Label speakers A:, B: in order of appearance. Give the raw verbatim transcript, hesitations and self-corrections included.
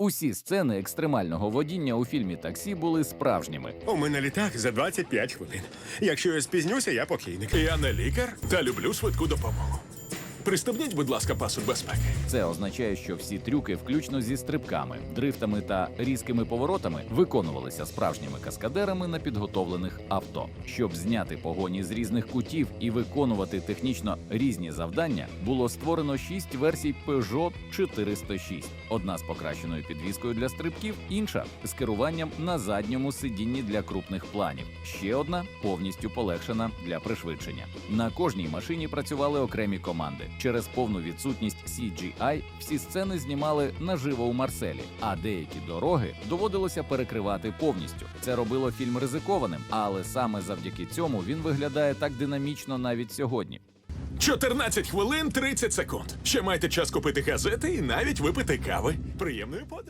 A: Усі сцени екстремального водіння у фільмі «Таксі» були справжніми.
B: У мене літак за двадцять п'ять хвилин. Якщо я спізнюся, я покійник.
C: Я не лікар та люблю швидку допомогу. Пристебніть, будь ласка, пасок безпеки.
A: Це означає, що всі трюки, включно зі стрибками, дрифтами та різкими поворотами, виконувалися справжніми каскадерами на підготовлених авто. Щоб зняти погоні з різних кутів і виконувати технічно різні завдання, було створено шість версій Peugeot чотириста шість. Одна з покращеною підвіскою для стрибків, інша з керуванням на задньому сидінні для крупних планів. Ще одна повністю полегшена для пришвидшення. На кожній машині працювали окремі команди. Через повну відсутність сі джі ай всі сцени знімали наживо у Марселі, а деякі дороги доводилося перекривати повністю. Це робило фільм ризикованим, але саме завдяки цьому він виглядає так динамічно навіть сьогодні.
C: чотирнадцять хвилин тридцять секунд. Ще маєте час купити газети і навіть випити кави. Приємної подорожі.